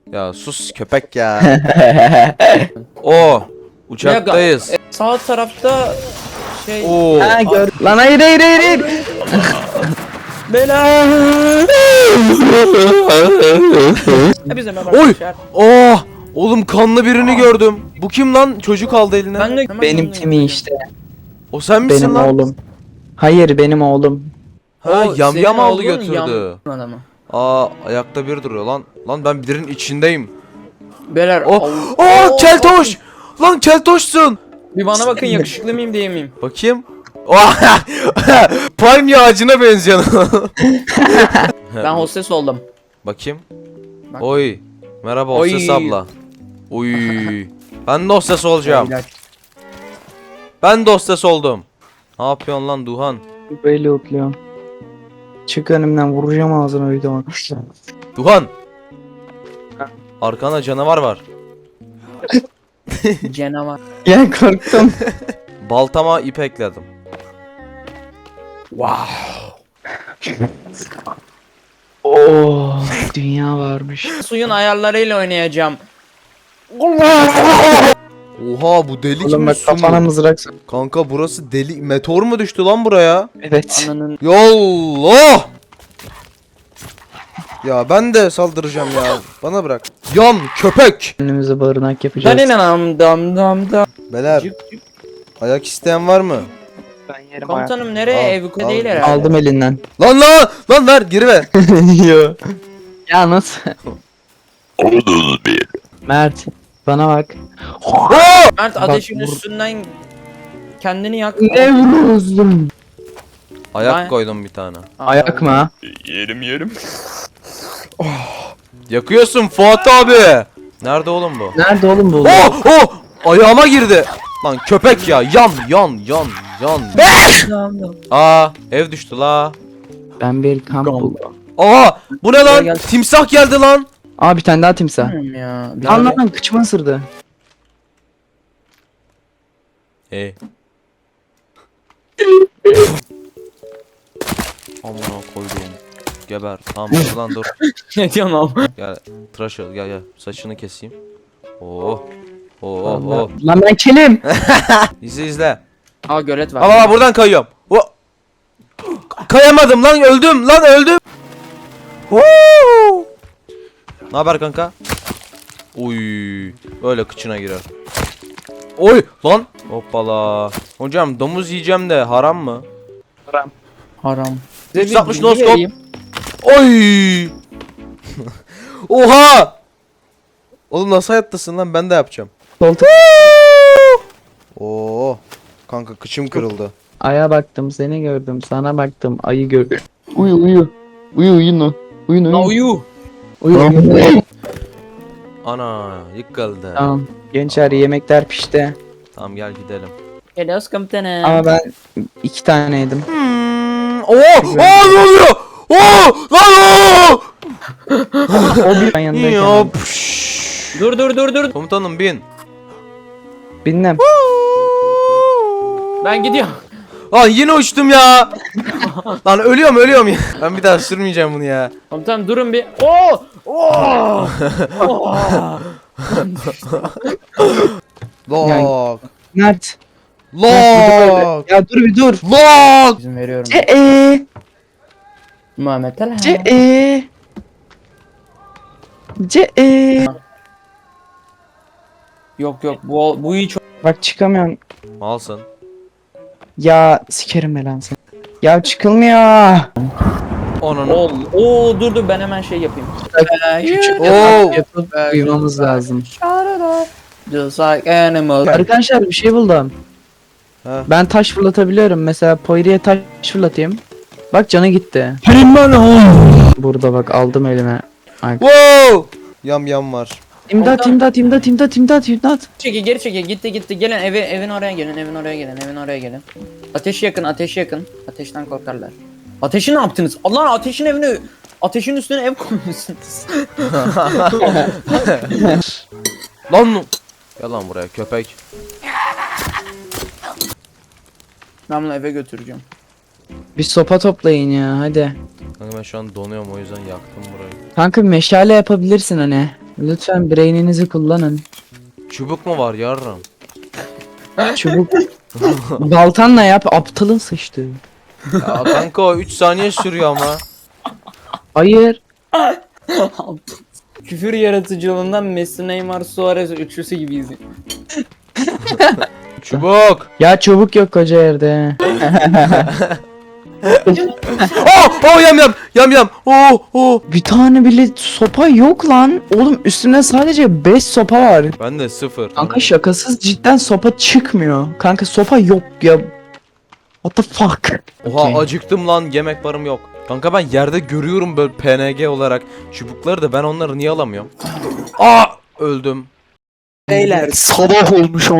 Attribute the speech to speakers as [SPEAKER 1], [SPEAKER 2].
[SPEAKER 1] Ya sus köpek ya. O uçaktayız.
[SPEAKER 2] Sağ tarafta şey.
[SPEAKER 1] Oo.
[SPEAKER 3] Ha gör. Lan hayır hayır hayır hayır.
[SPEAKER 2] Bela. Hepinize merhaba
[SPEAKER 1] Oy.
[SPEAKER 2] arkadaşlar.
[SPEAKER 1] Oh. Oğlum kanlı birini gördüm. Bu kim lan? Çocuk aldı eline.
[SPEAKER 2] Ben de
[SPEAKER 3] Benim Timi işte.
[SPEAKER 1] O sen misin
[SPEAKER 3] Benim
[SPEAKER 1] lan?
[SPEAKER 3] oğlum. Hayır benim oğlum.
[SPEAKER 1] Ha
[SPEAKER 2] O
[SPEAKER 1] yam
[SPEAKER 2] senin
[SPEAKER 1] yam aldı
[SPEAKER 2] oğlun
[SPEAKER 1] götürdü.
[SPEAKER 2] yam adamı.
[SPEAKER 1] Aa ayakta bir duruyor lan. Lan ben birinin içindeyim.
[SPEAKER 2] Beyler.
[SPEAKER 1] Oh. Oh keltoş. Lan keltoşsun.
[SPEAKER 2] Bir bana bakın, yakışıklı mıyım değil miyim?
[SPEAKER 1] Bakayım. Oh. Palmiye ağacına benziyorsun.
[SPEAKER 2] Ben hostes oldum.
[SPEAKER 1] Bakayım.
[SPEAKER 2] Bak.
[SPEAKER 1] Oy. Merhaba
[SPEAKER 2] Oy.
[SPEAKER 1] hostes abla. Oy. Ben de hostes olacağım.
[SPEAKER 2] Beyler.
[SPEAKER 1] Ben de hostes oldum. Ne yapıyorsun lan Duhan?
[SPEAKER 3] Böyle otluyorum. Çık önümden vuracağım ağzına öyle bak.
[SPEAKER 1] Duhan. Arkanda canavar var.
[SPEAKER 2] Canavar.
[SPEAKER 3] Ya korktum.
[SPEAKER 1] Baltama ip ekledim.
[SPEAKER 2] Wow.
[SPEAKER 3] Oo, dünya varmış.
[SPEAKER 2] Suyun ayarlarıyla oynayacağım.
[SPEAKER 1] Oha bu delik
[SPEAKER 3] Oğlum
[SPEAKER 1] mi
[SPEAKER 3] bak
[SPEAKER 1] su
[SPEAKER 3] kafana
[SPEAKER 1] mu?
[SPEAKER 3] mızrak sok.
[SPEAKER 1] Kanka burası deli. Meteor mu düştü lan buraya?
[SPEAKER 3] Evet.
[SPEAKER 2] Ananın.
[SPEAKER 1] Yallah! Ya ben de saldıracağım ya. Bana bırak. Yan köpek.
[SPEAKER 3] Önümüze barınak yapacağız.
[SPEAKER 2] Dam dam dam dam.
[SPEAKER 1] Beyler
[SPEAKER 2] Cık cık.
[SPEAKER 1] ayak isteyen var mı?
[SPEAKER 3] Ben yerim
[SPEAKER 2] Komutanım nereye?
[SPEAKER 1] Al,
[SPEAKER 2] Ev
[SPEAKER 1] al.
[SPEAKER 2] değil herhalde.
[SPEAKER 3] Aldım elinden.
[SPEAKER 1] Lan ver geri ver.
[SPEAKER 3] Yo. Ya nasıl? Mert bana bak.
[SPEAKER 2] Mert
[SPEAKER 3] Bak,
[SPEAKER 2] ateşin
[SPEAKER 3] vur.
[SPEAKER 2] üstünden kendini yak.
[SPEAKER 3] Ne vuruyorsun?
[SPEAKER 1] Ayak
[SPEAKER 2] Ben-
[SPEAKER 1] koydum bir tane.
[SPEAKER 3] Ayak mı? Ha?
[SPEAKER 2] Yerim.
[SPEAKER 1] Yakıyorsun Fuat abi. Nerede oğlum bu?
[SPEAKER 3] Nerede oğlum bu?
[SPEAKER 1] Oh! Ayağıma girdi. Lan köpek ya. Yan. Aa ev düştü la.
[SPEAKER 3] Ben bir kamp buldum.
[SPEAKER 1] Aa bu ne
[SPEAKER 2] Gel,
[SPEAKER 1] lan?
[SPEAKER 2] gel.
[SPEAKER 1] Timsah geldi lan.
[SPEAKER 3] Aa bir tane daha timsah.
[SPEAKER 2] Bilmiyorum ya. Bir
[SPEAKER 3] Lan
[SPEAKER 2] tane-
[SPEAKER 3] lan kıçıma ısırdı.
[SPEAKER 1] Amına koydum. Geber. Tamam dur lan dur.
[SPEAKER 2] Ne diyorsun oğlum?
[SPEAKER 1] Gel tıraş ol gel saçını keseyim. Oh.
[SPEAKER 3] Allah. Lan ben kelim.
[SPEAKER 1] İzle.
[SPEAKER 2] Aa gölet var.
[SPEAKER 1] Ama buradan kayıyorum. Kayamadım lan öldüm. Ne haber kanka? Uy, öyle kıçına girer. Oy lan. Hoppala. Hocam domuz yiyeceğim de haram mı?
[SPEAKER 2] Haram.
[SPEAKER 1] 360
[SPEAKER 2] Size bir bilgi
[SPEAKER 1] no scope.
[SPEAKER 2] vereyim.
[SPEAKER 1] Oy. Oha. Oğlum nasıl hayattasın lan ben de yapacağım.
[SPEAKER 3] Koltuk.
[SPEAKER 1] Oo. Kanka kıçım kırıldı.
[SPEAKER 3] Aya baktım seni gördüm. Sana baktım ayı gördüm. Uyu. Uyuyun. Uyuyun.
[SPEAKER 2] La uyu.
[SPEAKER 3] Uyu.
[SPEAKER 1] Ana yıkıldı.
[SPEAKER 3] Tamam. Gençler yemekler pişti.
[SPEAKER 1] Tamam gel gidelim.
[SPEAKER 2] Geliyoruz komutanım.
[SPEAKER 3] Ama ben 2 tane yedim.
[SPEAKER 1] Ne oluyor? Lan
[SPEAKER 3] O bir ben yanındayken.
[SPEAKER 1] Ya
[SPEAKER 3] aldım.
[SPEAKER 2] Dur.
[SPEAKER 1] Komutanım bin.
[SPEAKER 3] Bilmem.
[SPEAKER 2] Ben gidiyorum.
[SPEAKER 1] Lan yine uçtum ya. Lan ölüyorum ya. Ben bir daha sürmeyeceğim bunu ya.
[SPEAKER 2] Komutanım durun bir. Oo! Oo!
[SPEAKER 1] Lok.
[SPEAKER 3] Mert.
[SPEAKER 1] Lok.
[SPEAKER 3] Ya dur bir dur.
[SPEAKER 1] Lok.
[SPEAKER 2] İzin veriyorum.
[SPEAKER 3] Ce
[SPEAKER 2] Muhammed Talha.
[SPEAKER 3] Ce
[SPEAKER 2] Yok bu iyi çok.
[SPEAKER 3] Bak çıkamıyorum.
[SPEAKER 1] Malsın.
[SPEAKER 3] Ya sikerim ben lan seni. Ya çıkılmıyor.
[SPEAKER 1] Onun.
[SPEAKER 2] Dur ben hemen şey yapayım.
[SPEAKER 3] Küçük
[SPEAKER 1] Oo.
[SPEAKER 3] yapıp uyumamız lazım.
[SPEAKER 2] Just like animals.
[SPEAKER 3] Arkadaşlar bir şey buldum.
[SPEAKER 1] Ha.
[SPEAKER 3] Ben taş fırlatabiliyorum. Mesela Poiri'ye taş fırlatayım. Bak canı gitti. Burada bak aldım elime.
[SPEAKER 1] Wow. Yam var.
[SPEAKER 3] İmdat.
[SPEAKER 2] Geri çekil gitti gelin evin oraya gelin. Ateş yakın. Ateşten korkarlar. Ateşi ne yaptınız? Allah ateşin üstüne ev koymuşsunuz.
[SPEAKER 1] Lan. Gel lan buraya köpek.
[SPEAKER 2] Ben bunu eve götüreceğim.
[SPEAKER 3] Bir sopa toplayın ya hadi.
[SPEAKER 1] Kanka ben şu an donuyorum o yüzden yaktım burayı.
[SPEAKER 3] Kanka bir meşale yapabilirsin hani. Lütfen braininizi kullanın.
[SPEAKER 1] Çubuk mu var yarram?
[SPEAKER 3] Çubuk. Baltanla yap, aptalın sıçtı.
[SPEAKER 1] Ya kanka o 3 saniye sürüyor ama.
[SPEAKER 3] Hayır.
[SPEAKER 2] Küfür yaratıcılığından Messi, Neymar, Suarez üçlüsü gibiyiz.
[SPEAKER 1] Çubuk.
[SPEAKER 3] Ya çubuk yok koca yerde.
[SPEAKER 1] Oh yam. Oh.
[SPEAKER 3] Bir tane bile sopa yok lan. Oğlum üstümde sadece 5 sopa var.
[SPEAKER 1] Ben de 0.
[SPEAKER 3] Kanka şakasız cidden sopa çıkmıyor. Kanka sopa yok ya. What the fuck?
[SPEAKER 1] Oha
[SPEAKER 3] Okey.
[SPEAKER 1] acıktım lan, yemek barım yok. Kanka ben yerde görüyorum böyle PNG olarak çubukları da ben onları niye alamıyorum? Aa öldüm.
[SPEAKER 2] Beyler
[SPEAKER 3] Sabah olmuş